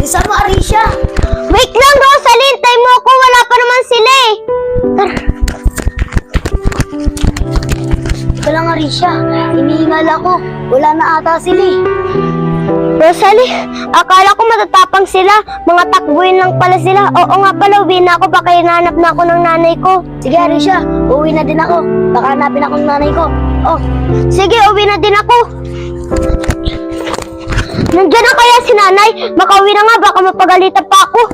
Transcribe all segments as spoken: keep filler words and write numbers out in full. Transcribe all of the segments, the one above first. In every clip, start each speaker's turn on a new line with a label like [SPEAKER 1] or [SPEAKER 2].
[SPEAKER 1] Bisa mo, Arisha.
[SPEAKER 2] Wait lang, Rosalie! Hintay mo ako! Wala pa naman sila eh! Tara!
[SPEAKER 1] Ito lang, Arisha. Inihingal ako. Wala na ata sila eh.
[SPEAKER 2] Rosalie, akala ko matatapang sila. Mga takbuhin lang pala sila. Oo nga pala, uwi na ako. Baka hinahanap na ako ng nanay ko.
[SPEAKER 1] Sige, Arisha. Uwi na din ako. Baka hanapin ako ng nanay ko.
[SPEAKER 2] Oh, sige, uwi na din ako. Nandiyan na kaya si nanay? Makauwi na nga, baka mapagalitan pa ako.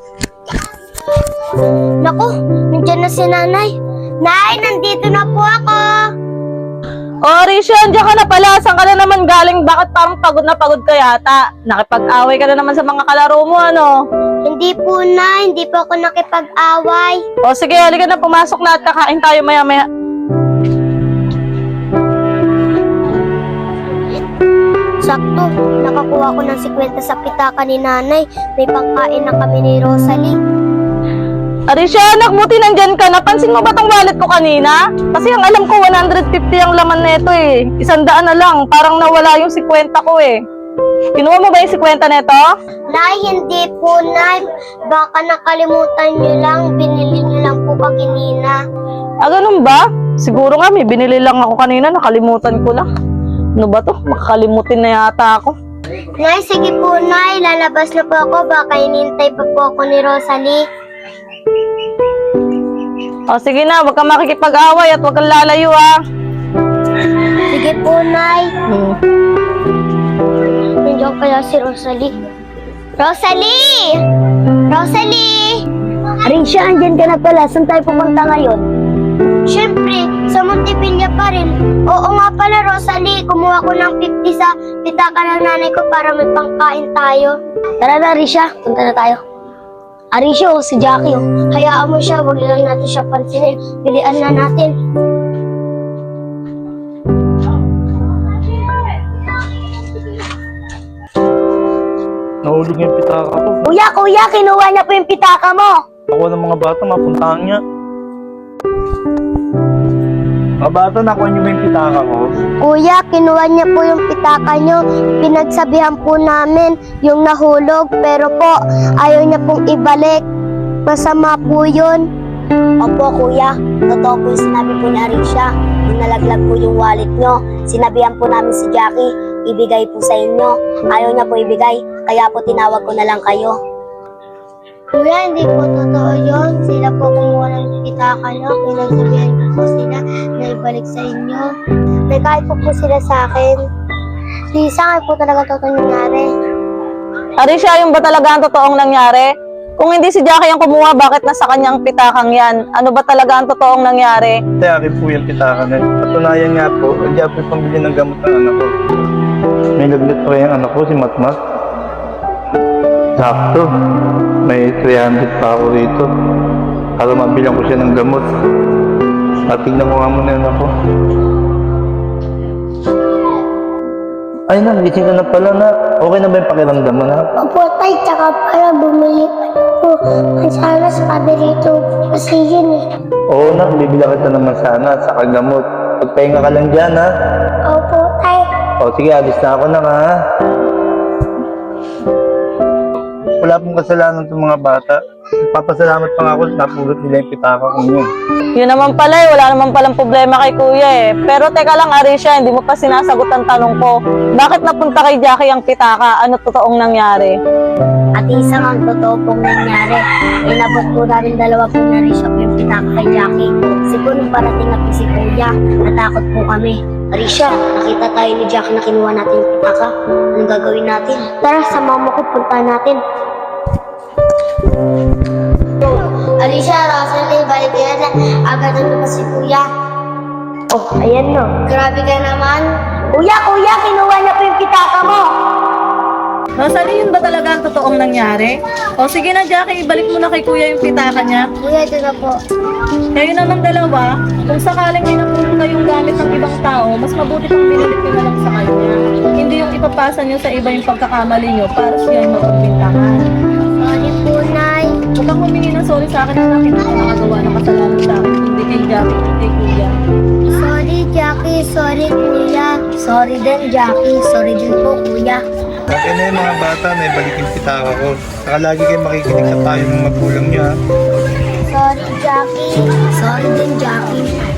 [SPEAKER 2] Naku, nandiyan na si nanay. Nay, nandito na po ako.
[SPEAKER 3] Oh, Arisha, andiyan ka na pala. Saan ka na naman galing? Bakit parang pagod na pagod ka yata? Nakipag-away ka na naman sa mga kalaro mo, ano?
[SPEAKER 2] Hindi po na, hindi po ako nakipag-away.
[SPEAKER 3] O sige, halika na, pumasok na at kakain tayo maya-maya.
[SPEAKER 2] Sakto, nakakuha ko ng sikwenta sa pitaka ni nanay. May pangkain na kami ni Rosalie.
[SPEAKER 3] Arisha, anak, buti nandyan ka. Napansin mo ba tong wallet ko kanina? Kasi ang alam ko, one hundred fifty ang laman nito eh. Isang daan na lang. Parang nawala yung sikwenta ko eh. Kinuha mo ba yung sikwenta nito?
[SPEAKER 2] Nay, hindi po, Nay. Baka nakalimutan niyo lang. Binili niyo lang po kaginina.
[SPEAKER 3] Ah, ganun ba? Siguro nga, may binili lang ako kanina. Nakalimutan ko na. Ano ba to? Makakalimutin na yata ako.
[SPEAKER 2] Nay, sige po, Nay. Lalabas na po ako. Baka hinintay pa po ako ni Rosalie.
[SPEAKER 3] O sige na, huwag kang makikipag-away at huwag kang lalayo ah.
[SPEAKER 2] Sige po, Nay.
[SPEAKER 3] Hmm.
[SPEAKER 2] Nandiyan kaya si Rosalie. Rosalie! Rosalie!
[SPEAKER 1] Arisha, andyan ka na pala. Saan tayo pupunta ngayon?
[SPEAKER 2] Siyempre, sa Montepilla pa rin. Oo nga pala, Rosalie. Kumuha ko ng fifty sa pitaka ng nanay ko para may pangkain tayo.
[SPEAKER 1] Tara na, Arisha. Punta na tayo. Arisha, oh, si Jackie, oh.
[SPEAKER 2] Hayaan mo siya, huwag lang natin siya pansinin. Pilian na natin.
[SPEAKER 4] Nahulog yung pitaka ko.
[SPEAKER 1] Kuya, kuya, kinuha niya po yung pitaka mo.
[SPEAKER 4] Ako ng mga bata, mapuntahan niya. Mga bata, nakuha niyo ba yung pitaka ko?
[SPEAKER 2] Kuya, kinuha niya po yung pitaka niyo. Pinagsabihan po namin yung nahulog. Pero po, ayaw niya pong ibalik. Masama po yun.
[SPEAKER 1] Opo, kuya. Totoo po yung sinabi po ni Arisha. Nung nalaglag po yung wallet nyo, sinabihan po namin si Jackie, ibigay po sa inyo. Ayaw niya po ibigay, kaya po tinawag ko na lang kayo.
[SPEAKER 2] Kuya, hindi po totoo yun. Sila po kumuha ng pitaka niyo. Pinagsabihan ko po sila na ibalik sa inyo. Nagkahit po po sila sa akin. Di sa akin po talaga totoo nangyari.
[SPEAKER 3] Arisha, yung ba talaga ang totoong nangyari? Kung hindi si Jackie ang kumuha, bakit nasa kanyang pitakang yan? Ano ba talaga ang totoong nangyari?
[SPEAKER 4] Hindi, akin po yung pitaka na yun. Patunayan nga po, hindi ako yung pambili ng gamot ng anak ko. May lagnat pa yung anak ko, si Matmat. Sakto. May three hundred pa ako rito. Para mabilang ko siya ng gamot. At tignan ko nga muna yun ako. Ay na, gising ka na pala na. Okay na ba yung pakiramdam mo na?
[SPEAKER 2] Opo, tay, tsaka para bumili pa po. Sana sa paborito kasi yun eh.
[SPEAKER 4] Oo na, bibila kita naman sana sa kagamot. Pagpahinga ka lang dyan ha.
[SPEAKER 2] Opo, tay.
[SPEAKER 4] O sige, alis na ako na ha. Wala pong kasalanan itong mga bata. Papasalamat pa nga ako, napulot nila yung pitaka ko yun.
[SPEAKER 3] Yun naman pala eh, wala naman palang problema kay kuya eh. Pero teka lang Arisha, hindi mo pa sinasagot ang tanong ko. Bakit napunta kay Jackie ang pitaka? Ano totoong nangyari?
[SPEAKER 1] At isang ang totoo pong nangyari. Inabot po namin dalawa po na Arisha po yung pitaka kay Jackie. Siguro nung parating na po si Kuya, natakot po kami. Arisha, nakita tayo ni Jackie na kinuha natin yung pitaka. Anong gagawin natin?
[SPEAKER 2] Tara, sa mama ko, punta natin.
[SPEAKER 1] Arisha, Rosalie, balik ka na. Agad na pa si Kuya.
[SPEAKER 2] Oh, ayan no.
[SPEAKER 1] Grabe ka naman.
[SPEAKER 2] Kuya, kuya, kinuha niya po yung pitaka mo.
[SPEAKER 3] Rosalie, yun ba talaga ang totoong nangyari? O sige na Jackie, ibalik mo na kay kuya yung pitaka niya.
[SPEAKER 2] Kuya, ito na po.
[SPEAKER 3] Kayo namang dalawa, kung sakaling may nakuha kayong gamit ng ibang tao, mas mabuti kung binilit nyo na lang sa kanya. Hindi yung ipapasa nyo sa iba yung pagkakamali nyo para siya yung mapagbintangan.
[SPEAKER 2] Sorry po, Nay.
[SPEAKER 3] Huwag kang humingi ng sorry sa akin na hindi ka nakagawa ng kasalanan sa akin, hindi kay Jackie, hindi kay kuya.
[SPEAKER 2] Sorry, Jackie. Sorry, Kuya.
[SPEAKER 1] Sorry din, Jackie. Sorry din po, Kuya.
[SPEAKER 4] Okay na yung mga bata, na ibalik yung pitaka ko. Saka lagi kayo makikinig sa payo ng magulang niyo ha.
[SPEAKER 2] Sorry, Jackie.
[SPEAKER 1] Sorry din, Jackie.